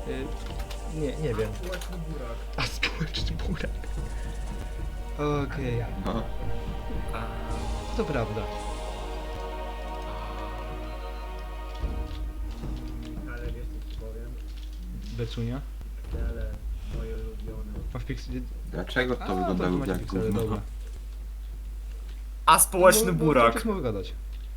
Nie wiem. Społeczny burak. A społeczny burak. Okej, No. to prawda. Ale wiesz co ci powiem? Becunia. Piksele, moje ulubione. Masz piksel... Dlaczego to wygląda to już macie jak piksele, gówno? dobra. A społeczny No, burak. Czas mogę gadać.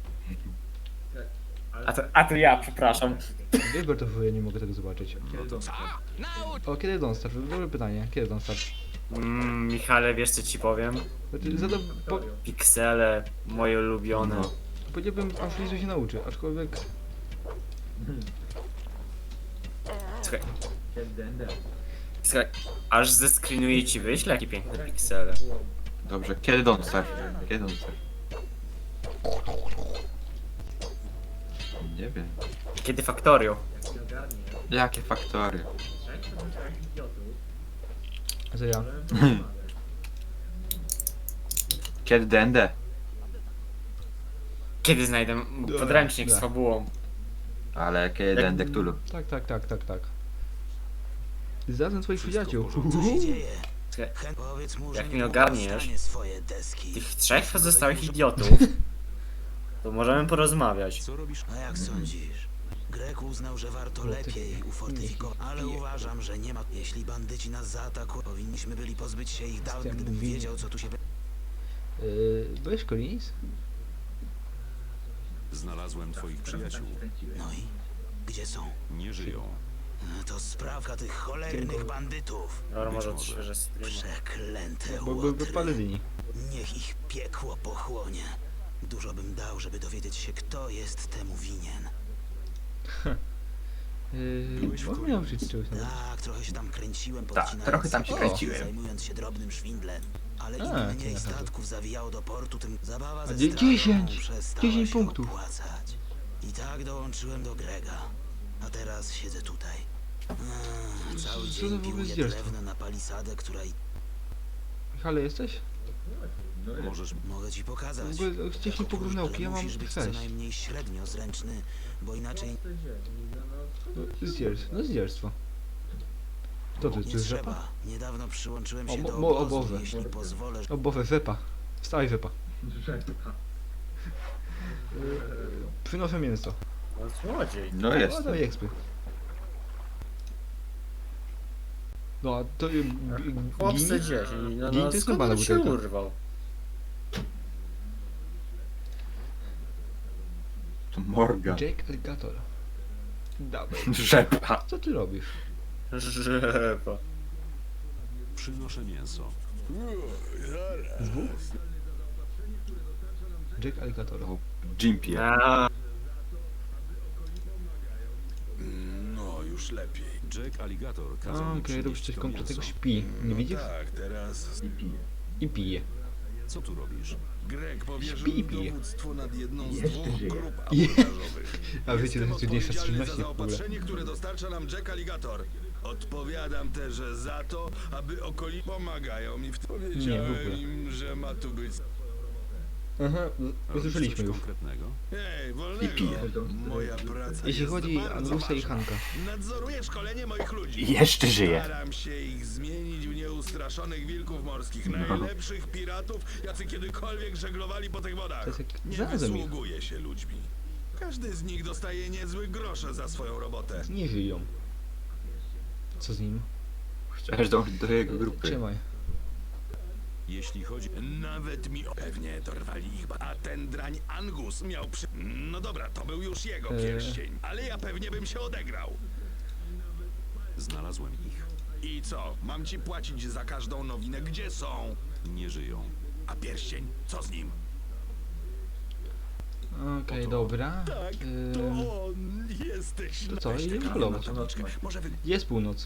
A to ja, przepraszam. Wyber to ja nie mogę tego zobaczyć. O, kiedy Don't Starve? Dobre pytanie. Kiedy Don't Starve? Michale, wiesz co ci powiem? Piksele, moje ulubione. No. Powiedziałbym, aż Lizu się nauczy, aczkolwiek... Słuchaj, Dende. słuchaj, aż zeskrinuję ci wyślę, jakie piękne piksele. Dobrze, kiedy Don't Starve? Kiedy Don't Starve? Nie wiem. Kiedy Factorio? Jak się ogarnie, Jakie faktory? trzech pozostałych idiotów, A co ja? możemy porozmawiać. Kiedy Dende? Kiedy znajdę podręcznik z Dobra. fabułą? Ale kiedy Dende Cthulhu? Tak. Zarazem twoich przyjaciół. Co się dzieje? Słuchaj, Powiedz mu, Jak że mnie nie ogarniesz, dostanie swoje deski. tych trzech pozostałych idiotów, to możemy porozmawiać. A jak sądzisz? Grek uznał, że warto lepiej ufortyfikować, ale uważam, że nie ma. Jeśli bandyci nas zaatakują, powinniśmy byli pozbyć się ich dawno, gdybym wiedział, co tu się... Byłeś Collins? Znalazłem twoich przyjaciół. No i? Gdzie są? Nie żyją. To sprawka tych cholernych bandytów. Dobra, może może. odświeżę streama. Przeklęte Bo byłby łotry. Paladyni. Niech ich piekło pochłonie. Dużo bym dał, żeby dowiedzieć się, kto jest temu winien. Byłeś w Może mnie Collins. nauczyć czegoś nawet. Tak, trochę się tam kręciłem, Tak, podcinając trochę tam się skrzydła, kręciłem. zajmując się drobnym szwindlem. Ale im A, mniej to statków zawijało do portu, tym zabawa ze 10, przestała 10 się punktów. opłacać. I tak dołączyłem do Grega. A teraz siedzę tutaj. Cały Co to dzień w ogóle piłuję zdzierstwo? drewno na palisadę, która i... Michale, jesteś? Możesz... Mogę ci pokazać. W ogóle ściśnij porównałki, ja mam musisz być co 6. najmniej średnio zręczny, bo inaczej Zdzierstwo. To nie jest rzepa? trzeba. Niedawno przyłączyłem O, się do o obozu, Boże. jeśli pozwolę. O, bowę, wepa. Wstawaj, wepa. Rzepa. Przynoszę mięso. No złodziej. No O, jest. daj ekspy. No, a to... Chłopcy Gini? gdzieś. No, Gini to jest skąd normalna on się butelka. urwał? To Morgan. Jake Alligator. Dawaj. Rzepa. Co ty robisz? Rzepa. Przynoszę mięso. Jake Alligator. O, Jimpie. A, No, już lepiej. Jack Alligator kazał mi Okej, przynieść robisz coś to konkretnego, mięso. śpi. Nie widzisz? Tak, teraz I pije. Co tu robisz? Greg powierzył Śpi i mi pije. dowództwo nad jedną z Jeszcze dwóch żyje. grup Je- abordażowych. A wiecie, to jest trudniejsze z odpowiedzialny czynności za w ogóle. zaopatrzenie, które dostarcza nam Jack Alligator. Odpowiadam też za to, aby pomagają mi w tym. Nie, w Powiedziałem ogóle. im, że ma tu być... Aha, Robisz usłyszeliśmy coś już. konkretnego? Hej, I wolnego. pije. Moja praca Jeśli jest chodzi o bardzo Angusa i ważna. Hanka. Nadzoruję szkolenie moich ludzi. I jeszcze żyje. Staram się ich zmienić w nieustraszonych wilków morskich, No. najlepszych piratów, jacy kiedykolwiek żeglowali po tych wodach. To jest jak Nie znalazłem ich. wysługuje się ludźmi. Każdy z nich dostaje niezły grosze za swoją robotę. Nie żyją. Co z nim? Chciałeś dążyć do jego grupy. Trzymaj. Jeśli chodzi... Nawet mi pewnie dorwali ich, a ten drań Angus miał przy... No dobra, to był już jego pierścień, ale ja pewnie bym się odegrał. Znalazłem ich. I co, mam ci płacić za każdą nowinę? Gdzie są? Nie żyją. A pierścień, co z nim? Okej, dobra. Tak, to on. Jesteś To co, Weź tę idziemy kamienną polować. tabliczkę. Może wy... Jest północ.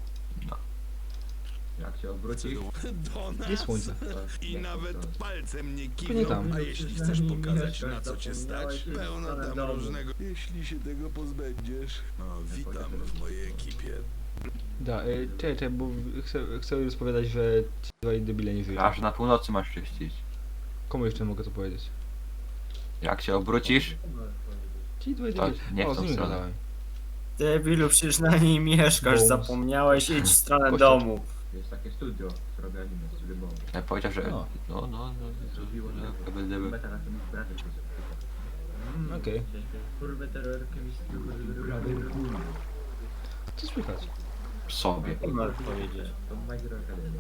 Jak się obrócisz? Do nas. Jest słońce. I nawet palcem nie To nie kiwną, tam. a jeśli chcesz pokazać na co cię stać, pełno tam różnego... Jeśli się tego pozbędziesz... No, witam w mojej ekipie. Da, czekaj, bo chcę rozpowiadać, że ci dwaj debile nie żyją. Aż na północy masz czyścić. Komu jeszcze mogę to powiedzieć? Jak się obrócisz, Ci dwaj To debile. nie w O, z tą nimi stronę. gadałem. Debilu, przecież na niej mieszkasz, Bones. zapomniałeś, idź w stronę Kościół. domu. Jest takie studio, co robi anime, studio Bones. Ja powiedział, że... No. No. Zrobiło to będę... Beta na tym braty. Okej. Kurwa terror Co słychać? sobie. Mogę powiedzieć. To My Hero Academia.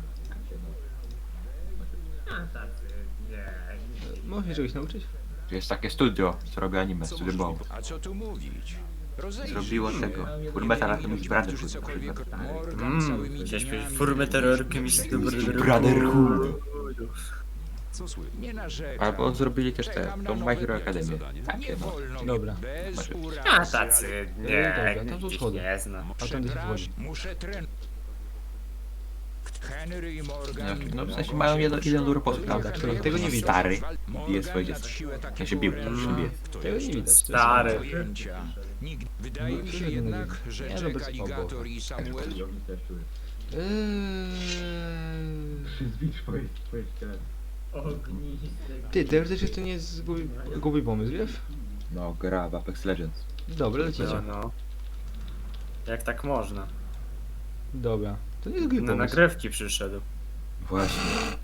A tacy, nie. Możesz się czegoś nauczyć? Tu jest takie studio, co robi anime, Co studio Bomb. możliwe? A co tu mówić? Zrobiło tego. Fullmetal Alchemist Brotherhood na przykład. Chciałeś powiedzieć formę terrorkiem i Brotherhood. Co słychać? Nie narzekam. Albo zrobili też te, Czekam na tą My nowe Hero lekkie Academię. zadanie. Takie Nie no. wolno mi Dobra. bez urazy, A tacy, nie, Dobra, tam są ich schody. nie znam. A tam gdzie się wchodzi? Muszę trenować. Henry i Morgan. No w sensie mają jeden dobry posług, prawda? Czyli tego nie widać. Stary bije swoje dziecko. Ja się bił, się bije. Tego nie widać. Stary. Wydaje mi się No, jednak, że nie, no Jack bez Alligator obaw. i Samuel Zwicz twoje szkielet. Ognisty. Ty, teoretycznie to nie jest głupi pomysł, wiesz? No, gra w Apex Legends. Dobra, lecicie. No. Jak tak można? Dobra. To nie jest głupi Na pomysł. nagrywki przyszedł. Właśnie.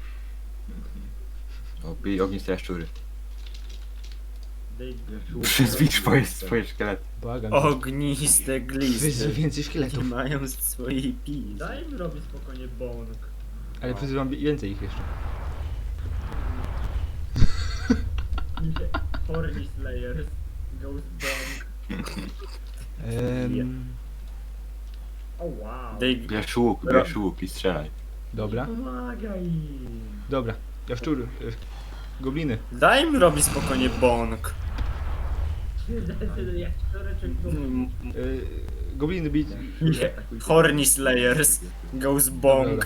O, bij ogniste jaszczury. Zwicz swoje szkielety. Błagam. Ogniste Wyzwij glisty. więcej szkieletów. Mają swojej pizzy. Daj mi robić spokojnie bąk. Ale wyzywam więcej ich jeszcze. Horny Slayers. Ghost Bong. O wow. Bierz łuk i strzelaj. Dobra. Pomagaj im. Dobra. Jaszczury. Gobliny. Daj mi robić spokojnie bąk. Jak cztereczek do... Gobliny bić. Horny Slayers. Goes bong.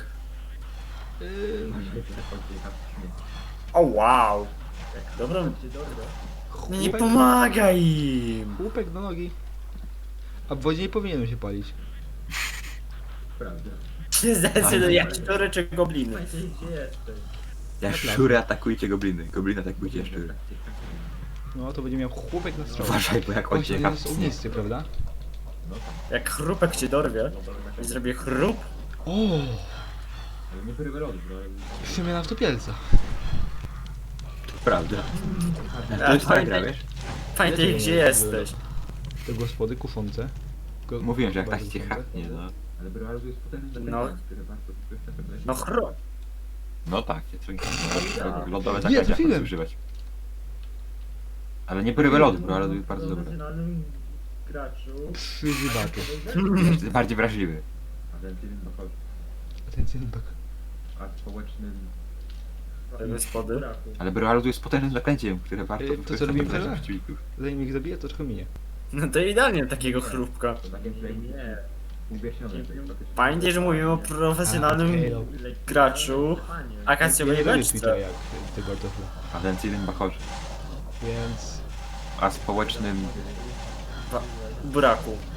O wow. Dobra. Nie Chłopek, pomagaj im. chłopek do nogi. A w wodzie nie powinienem się palić. Prawda. Zdecyduj, jak cztoreczek gobliny. Gdzie jesteś? Jaszczury atakujcie gobliny. Gobliny atakujcie jaszczury. No to będzie miał chłopek na strzał. Uważaj, bo jak on cię Właśnie jest kapnie. ognisty, prawda? Jak chrupek cię dorwie i zrobię chrup, O! Ale nie prywy lody, bro. Przemiana w topielca. Prawda. To a jest tak gra, wiesz? pamiętaj gdzie jesteś. Te gospody kuszące. Mówiłem, że jak tak Bardzo cię kuszące. haknie, no. Ale bro, ale to jest potężny No. zakręt, który warto wykorzystać. No chrup. No tak, lodowe Nie, zaklęcia trafiłem. używać. Ale nie brywe lody, bro, ale to jest bardzo dobre. Profesjonalnym graczu. Przyzywaczu. Jest bardziej wrażliwy. A ten film dochodzi. Atencja na A społecznym... Te gospody. braku. Ale bro, to jest potężnym zaklęciem, które warto To co wykorzystać robimy na teraz? przeciwników. Zanim ich zabiję, to trochę minie. No to idealnie takiego chrupka. To takie nie. Uwierzone. Pamiętaj, że mówimy o profesjonalnym Okej, no. graczu, akacjowego lubię beczce. Twittera jak tego artofla. Atencyjnym bachorze. Więc... A społecznym... Buraku.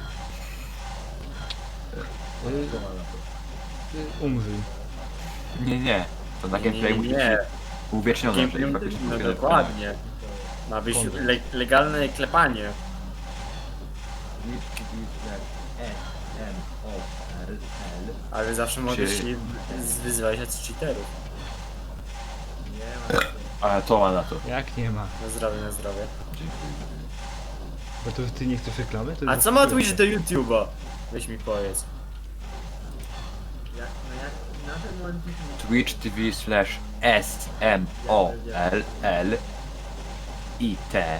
Umrzyj. Nie. To na gameplay musi być Nie, uwiecznione, gameplay, że faktycznie no musi dokładnie. Ma być legalne klepanie. M-O-R-L. Ale zawsze mogę Czy- się wyzywać od cheaterów. Nie ma. Ale to ma na to. Jak nie ma? Na zdrowie, na zdrowie. Bo to ty nie chcesz reklamy? To A jest co ma Twitch do YouTube'a? Weź mi powiedz. Jak na ten moment Twitch TV/SMOLLIT.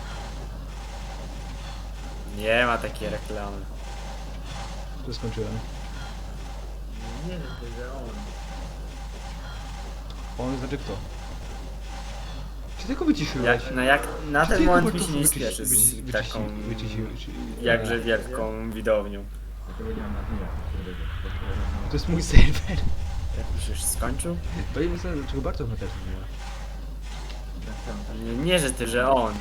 Nie ma takiej reklamy. To skończyłem. nie wiem, że on. On znaczy kto? Czy tylko wyciszyłeś? Jak na Czy ten tylko moment mi się Bartoszu nie wyciszy- spieszy z wyciszy- taką wyciszy- jakże wielką widownią. Dlatego nie mam na dnia. To jest mój serwer. Jak już skończył? To nie wiem dlaczego Bartosz ma też nie ma. Nie, że ty, że on.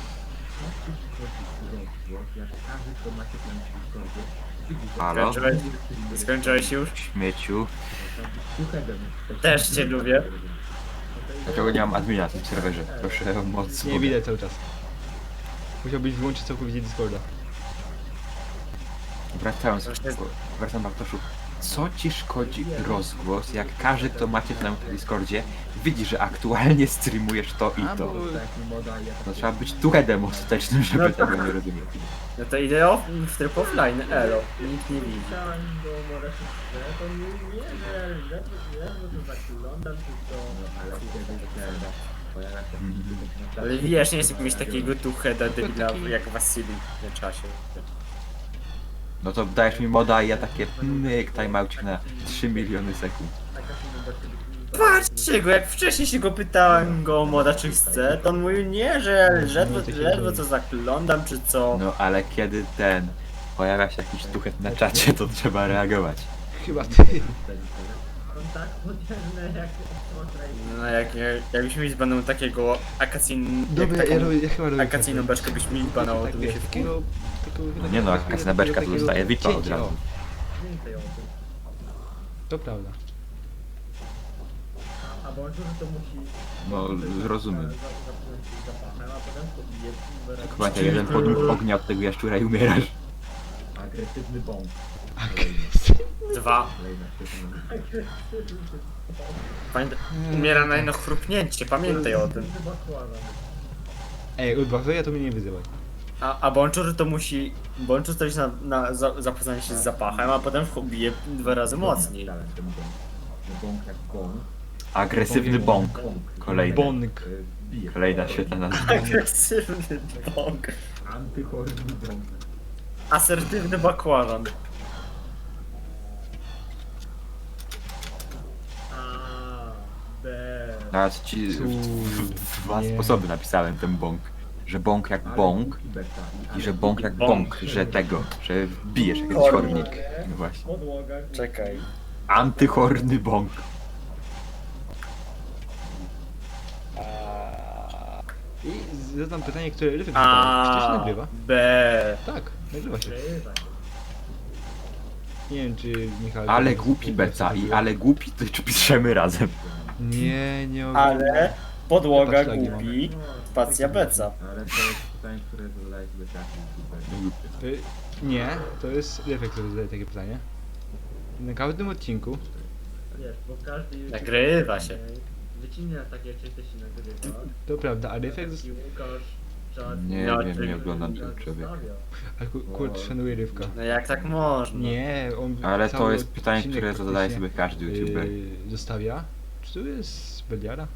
Jak każdy, kto ma się tam Halo? Skończyłeś już? Śmieciu. Też cię lubię. Dlaczego nie mam admina na tym serwerze? Proszę o moc. Nie widać cały czas. Musiałbyś wyłączyć całkowicie Discorda. Wracam Bartoszu. Co ci szkodzi rozgłos, jak każdy, kto macie na Discordzie, widzi, że aktualnie streamujesz to i A, to. bo- Tak, moda i ja No trzeba być tuchedem ostatecznym, żeby No tego nie rozumieć. No to idę w tryb offline, elo. Nikt nie widzi. Chciałem go może to nie, że to zaglądam czy to... No ale kiedy pojawia się na Ale wiesz, nie jest mieć takiego tucheda debila jak Wasili w czasie. No to dajesz mi moda i ja takie myk, timeoutik na 3 miliony sekund. Patrzcie go, jak wcześniej się go pytałem go o moda czy chce, to on mówił nie, że ledwo co zaglądam czy co. No ale kiedy pojawia się jakiś tuchet na czacie, to trzeba reagować. Chyba ty. Kontakt podzielny jak No jakbyśmy mieli baną takiego Dobra, ja chyba robię akacyjną beczkę byśmy mieli banało, to tak, by się takiego... Nie no, akacyjna beczka to dostaje VIPa od razu. więcej o tym. To prawda. A bo on to musi... No, rozumiem. Zapomnieć się zapachem, a potem pobije Tylko pamiętaj, jeden podmuch ognia od tego jaszczura i umierasz. agresywny bąk. Dwa. Kolejna świetna. Pamiętaj, umiera na jedno chrupnięcie, pamiętaj o tym. Chyba kłada. Ej, odbawię, to mnie nie wyzywaj. A Bączur to musi... Bączur to jest zapoznanie się z zapachem, a potem bije 2 razy mocniej. Dalej, ten bąk. Bąk jak bąk. Agresywny bąk. Kolejny. Bąk. Bije. Kolejna świetna nazwa. Agresywny bąk. Antychorny bąk. Asertywny bakłażan. A, B. Teraz ci w dwa Nie. sposoby napisałem ten bąk. Że bąk jak bąk i że bąk jak bąk, że że bijesz jak jakiś chornik. No właśnie. Podłoga. Czekaj. Antychorny bąk. I zadam pytanie, które Ryfek zadał. Czy to się nagrywa? B. Tak, nagrywa się. Grywa. Nie wiem, czy Michał... Ale głupi beca i ale głupi, to piszemy razem. Nie Ale podłoga Patrz, lagi mam. głupi, spacja beca. Ale to jest pytanie, które zadaje sobie każdy. Nie, to jest Ryfek, który zadaje takie pytanie. Na każdym odcinku Wiesz, bo każdy... Nagrywa się. Wycinie na takie części się nagrywa. to prawda, a Ryfek... I Łukasz... Czad... Nie No, wiem, ty- nie oglądam tego człowieka. Ale kurde, szanuję Rywka. No jak tak można? Nie, on Ale to cały jest pytanie, odcinek które zadaje praktycznie, sobie każdy youtuber. Zostawia. Czy to jest Beliara?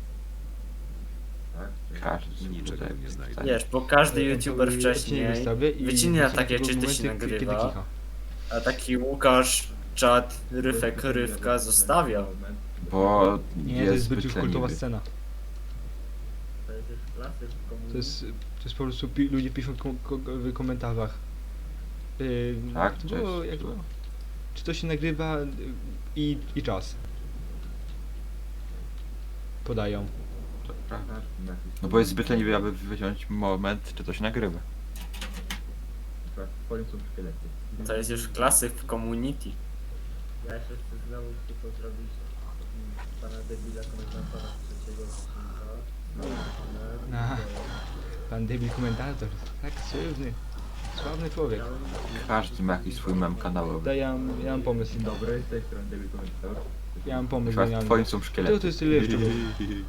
Każdy youtuber. Wiesz, bo każdy youtuber Odcinek wcześniej wystawia i wycina są takie tylko czy to się momenty, kiedy nagrywa, kicha. a taki Łukasz, Czad, Ryfek, Rywka zostawia. Bo Nie, to jest jest zbyt zbyt już kultowa leniwy. scena. To jest już klasyk komunizmu. To jest po prostu ludzie piszą w komentarzach. Tak, to to było, jest- jak było? Czy to się nagrywa i czas. Podają. No bo jest zbyt leniwy, aby wyciąć moment, czy to się nagrywa. W końcu szkielety. To jest już klasyk w community. Ja jeszcze chcę znowu tylko zrobić pana debila komentatora trzeciego odcinka. Aha. Pan debil komentator. Tak, sławny człowiek. Każdy ma jakiś swój mem kanałowy. To ja mam pomysł. Dobry, z tej strony debil komentator. Ja mam pomysł Chyba genialny. w twoim są To szkielety. jest tyle jeszcze było.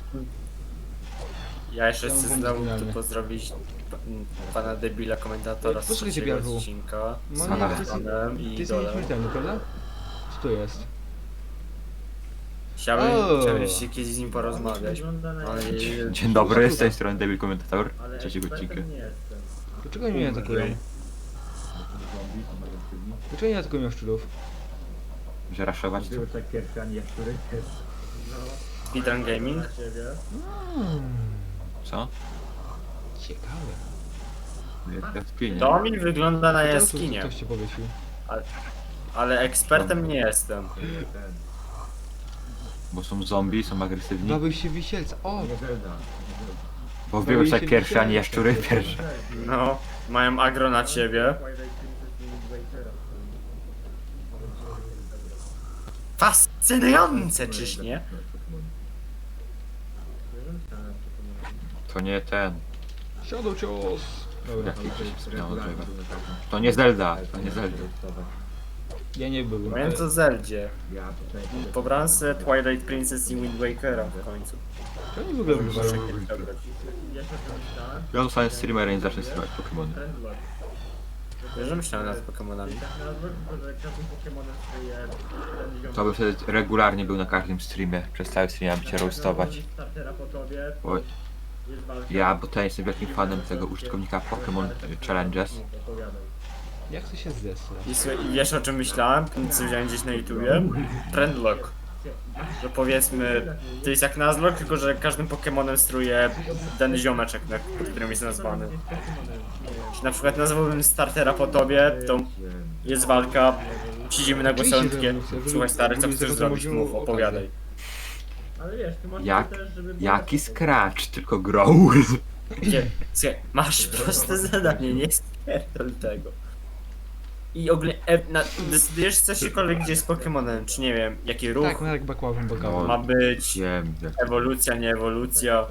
Ja jeszcze Ja mam chcę pomysł znowu genialny. tu pozdrowić pana debila komentatora z Posłuchaj, trzeciego Biarku. odcinka. No Z nie, Ale- to jest, panem to i jest dolem. nieśmiertelny, prawda? Co to jest? Chciałbym O! się kiedyś z nim porozmawiać. Wygląda na... Ale Dzień dobry, z tej strony Debil Komentator, Ale trzeciego odcinka. ekspertem nie jestem. Dlaczego oni mnie atakują? Zombie, są agresywni. Dlaczego nie atakują szczurów? Że raszować to? Były tak pierwsze, ani jaszczury też. No. Speedrun Gaming? Na ciebie. Co? Ciekawe. Jest jaskinia. To mi wygląda na Czemu tu jaskinię, ktoś cię powiesił? ale ekspertem nie jestem. Ten. Bo są zombie, są agresywni. Bawił się wisielca. O! Nie Zelda. Bo były tak pierwsze, a nie jaszczury pierwsze. No, mają agro na ciebie. Fascynujące, czyż nie? To nie ten. Shadow cios! Dobra. No, dobra. To nie Zelda, to nie Zelda. Ja nie byłem. Pamiętam o Zeldzie. Ja tutaj... Pobrałem sobie Twilight Princess i Wind Wakera w końcu. To nie w ogóle wygląda. Ja się pomyślałem, Ja zostanę streamerem i zacznę streamować Pokemony. Trendlord. Wiesz, że myślałem nad Pokemonami. Tak nazwę, tylko że każdym Pokemonem swoje... To bym wtedy regularnie był na każdym streamie. Przez cały stream bym cię roastować. Startera po tobie, Oj. jest walka. Ja, bo ja jestem wielkim fanem tego użytkownika Pokémon Challenges. Opowiadaj. Jak to się zesra? I słuchaj, i wiesz o czym myślałem? Co widziałem gdzieś na YouTubie? Trendlock. Że powiedzmy, to jest jak Nuzlocke, tylko że każdym Pokemonem steruje ten ziomeczek, pod którym jest nazwany. Jeśli na przykład nazwałbym startera po tobie, to jest walka, siedzimy na głosowanie, słuchaj stary, co chcesz zrobić, mów, opowiadaj. Ale wiesz, ty masz Jak- też, żeby... Jaki Scratch, tylko grow. Nie, słuchaj, masz proste zadanie, nie spierdol tego. I ogólnie, decydujesz cośkolwiek gdzie jest Pokemonem, czy nie wiem, jaki ruch Tak, no jak bakławem bakałam. ma być, Wiem, ewolucja, nie ewolucja.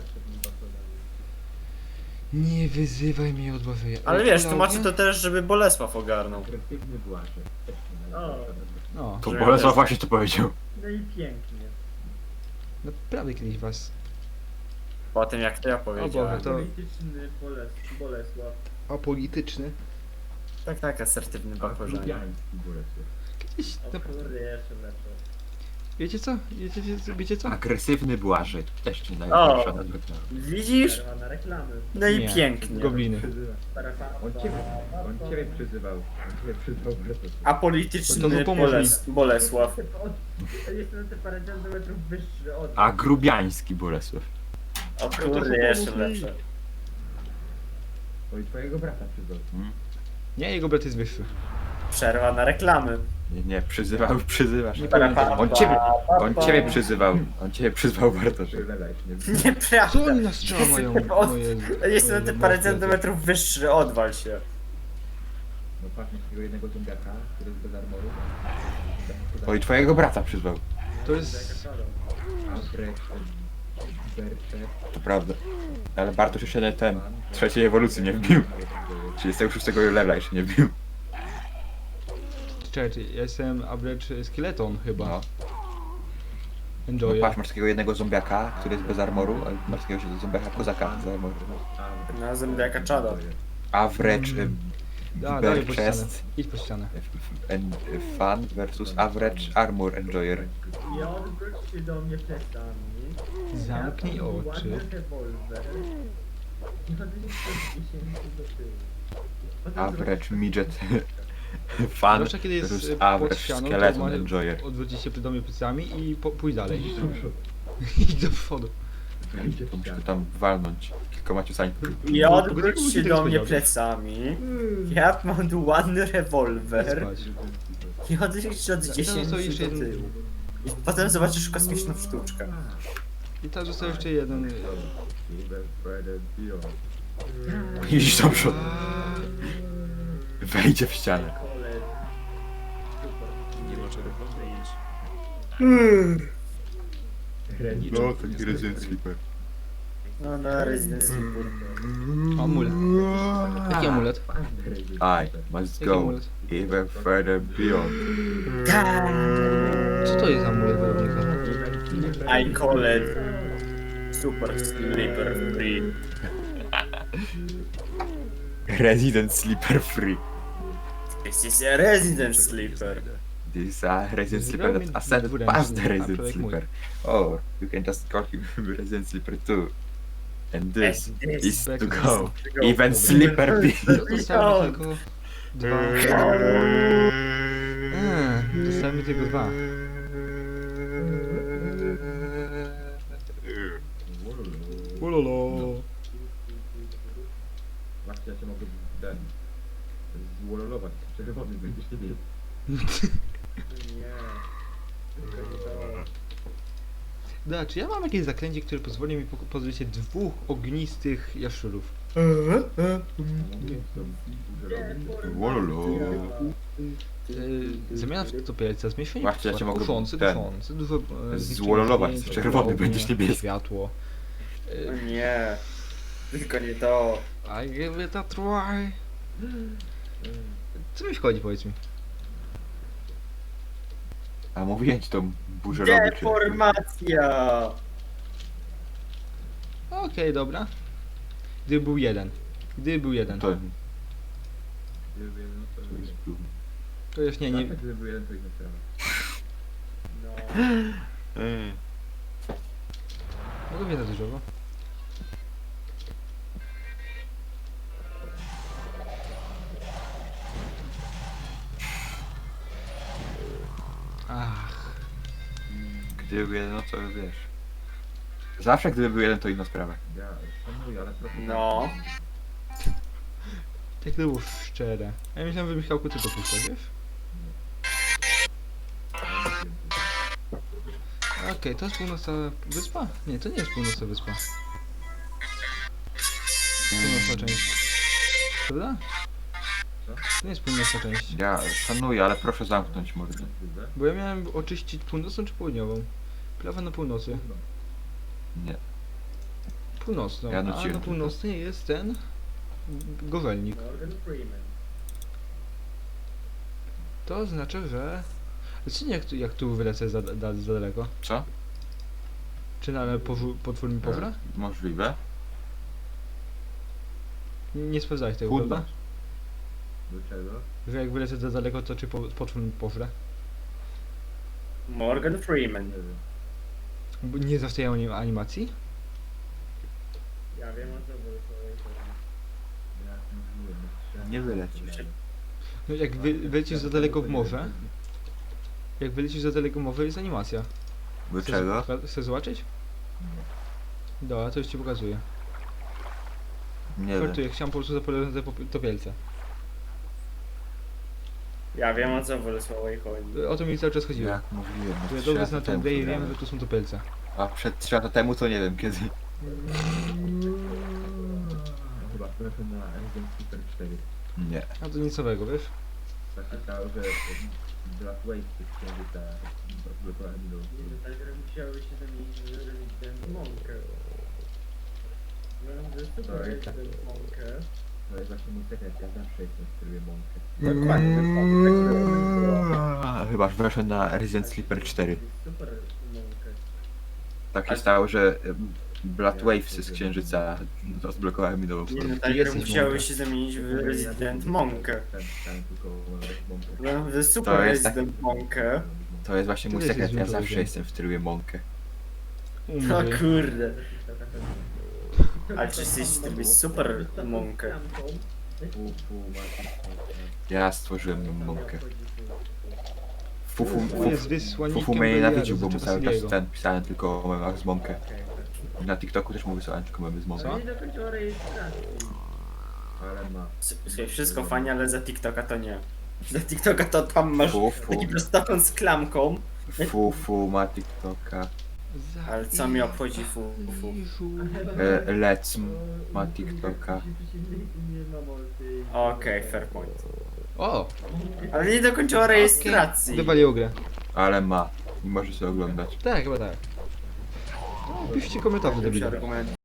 Nie wyzywaj mnie od bawy. Ale wiesz, tłumaczę to też, żeby Bolesław ogarnął. O, No, to Bolesław właśnie to powiedział. no i pięknie. naprawdę kiedyś was... Po tym jak to ja O powiedziałem. Boże, to Polityczny Bolesław. apolityczny. Tak, asertywny bakorzanie. Kiedyś... O No, kurde, jeszcze lepsze. wiecie co? Wiecie co? Agresywny Błażej. Też nie daje O. pierwsza nazwa. Widzisz? Przerwa na reklamy. No i Nie, pięknie. Gobliny. On ciebie przyzywał. Apolityczny To pomóż mi. Bolesław. Jestem te parę centymetrów wyższy od... A grubiański Bolesław. O kurde, jeszcze lepsze. Oj, twojego brata przyzywał. Nie, jego brat jest wyższy. Przerwa na reklamy. Nie, przyzywasz. Nie pamiętam. On ciebie przyzywał. On ciebie przyzwał Bartosz. Co Nieprawda. oni nas strzelają? Od- O Jezu. Jestem te parę centymetrów wyższy, odwal się. No patrz na takiego jednego zombiaka, który jest bez armoru. Oj, twojego brata przyzwał. To jest... To prawda. Ale Bartosz jeszcze ten trzeciej ewolucji nie wbił. 36 levela jeszcze nie wbił. Czekaj, ja jestem average skeleton chyba. No. No Enjoy. patrz, masz takiego jednego zombiaka, który jest bez armoru, a masz takiego zombiaka kozaka z armoru. Na zębiaka czada. Average Dalej po ścianę. chest Idź po ścianę. fan versus average armor enjoyer. I odwróć się do mnie plecami. Zamknij Ja mam oczy. ładny rewolwer. I odwróć się 10 do tyłu. Potem Average zrobisz- midget fan Zwłaszcza kiedy jest versus pod average ścianą, to skeleton enjoyer. odwrócić się do mnie plecami i pójść dalej. Idź do przodu. To muszę go tam walnąć kilkoma ciosami. I odwróć się do mnie plecami. Ja mam tu ładny rewolwer. Spać. I odwróć się od to 10 jeszcze do jeden- tyłu. I potem zobaczysz kosmiczną sztuczkę. I tam został jeszcze jeden. Idź do przodu. Wejdzie w ścianę. No, taki Resident Sleeper. No, Resident Evil. Amulet. Jaki amulet? I must Jaki go amulet? even further beyond. Co to jest amulet wojownika? I call it Super Sleeper Free. Resident Sleeper free. This is a Resident Sleeper. This is a Resident Sleeper that ascended past the Resident Sleeper. Or you can just call him Resident Sleeper 2. And this And this is to is go even Sleeper B. Zostawmy tylko dwa. Zostawmy tylko dwa. Ulolo. Właśnie ja cię mogę zwololować. Czerwony będziesz nie wiedział. Nie. Tylko nie to. Da, czy ja mam jakieś zaklęcie, które pozwoli mi pozbyć się dwóch ognistych jaszczurów? Wololo. Zamiana w topielca, zmniejszenie Właśnie, ja cię mogę kuszący, ten duszący, dużo... zwololować, czerwony będziesz niebieski. Światło. O nie. Tylko nie to. I give it a try. Co mi wchodzi, powiedz mi? A mówiłem ci tą burzę robić. Deformacja! Okej, dobra. Gdyby był jeden. Gdyby był jeden. To Gdyby jeden, to by jest był. To już nie. Gdyby był jeden, to inna sprawa. No. Mogę wiedzieć dużo, bo. Ach. Gdyby był jeden, no to wiesz. Zawsze gdyby był jeden, to inna sprawa. Ja szanuję, ale trochę... No. Jak to było szczere. Ja myślałem, że Michałku ty to puszczasz, wiesz? Okej, to jest północna wyspa? Nie, to nie jest północna wyspa. Północna część. Prawda? Co? To nie jest północna część. Ja szanuję, ale proszę zamknąć mordę. Bo ja miałem oczyścić północną czy południową? Prawa na północy. Nie. Północną. Ja A nuciłem na tylko. północnej jest ten... Gowelnik. Morgan Freeman. To oznacza, że... Czy nie jak tu wylecę za daleko? Co? Czy na potwór mi powra? Możliwe. Nie sprawdzałeś tego, Północ. prawda? Do czego? Że jak wylecę za daleko, to czy potwór mi powra? Morgan Freeman. Nie wiem. Bo nie zastają animacji? Ja wiem o co, bo ja mówiłem. Nie wylecisz. No jak wylecisz za daleko w morze, jak wylecisz za daleko w morze jest animacja. Do czego? Chcesz zobaczyć? Dobra, to już ci pokazuję. Nie wiem. Żartuję, chciałem po prostu zapowiadać to wielce. Ja wiem o co Bolesławej chodzi. O to mi cały czas chodziło. Jak mówiłem. To ja trzy dobrze lata znam tę temu grę i to wiem, grałem. że to są topelce. A przed 3 lata temu to nie wiem kiedy. Chyba trafię na Resident Super 4. Nie. A to nic nowego, wiesz? Tak się stało, że Black Wave tych księżyca blokowali do... Tak, że musiały się zamienić w Resident Monkę. No, że super To jest Resident Monkę. To jest właśnie mój sekret, ja zawsze jestem w trybie mąkę. Chyba weszłem na Resident Sleeper 4. Super Monkę. Tak się stało, że Blood Wavesy z księżyca odblokowały mi nową Nie, stronę. no tak, że jesteś musiały Monka. się zamienić w Resident Monkę. Tam tylko mąkę. No, w Super To jest tak- Resident Monkę. To jest właśnie mój Ty jesteś sekret, ja złym zawsze człowiekiem. jestem w trybie Monkę. O Umrę. kurde. Ale czy jesteś w trybie Super Monkę? Ja stworzyłem tą Monkę. Fufu, On jest fufu, wysłannikiem fufu mnie Beliara, nienawidził, bo mu cały czas Czasilego. pisałem tylko o memach z Monkę. Na TikToku też mu wysłałem tylko memy z Monkę. Co? Nie dokończyła rejestracji. Ale ma. Słuchaj, wszystko fajnie, ale za TikToka to nie. Za TikToka to tam masz Fufu, taki prostokąt z klamką. fufu ma TikToka. Ale co mnie obchodzi fufu? Lec ma TikToka. Nie ma multi. Okej, fair point. O! Ale nie dokończyła rejestracji. Wywaliło grę. Ale ma. I może sobie oglądać. Tak, chyba tak. No, piszcie komentarze, Lepszy debile. argument.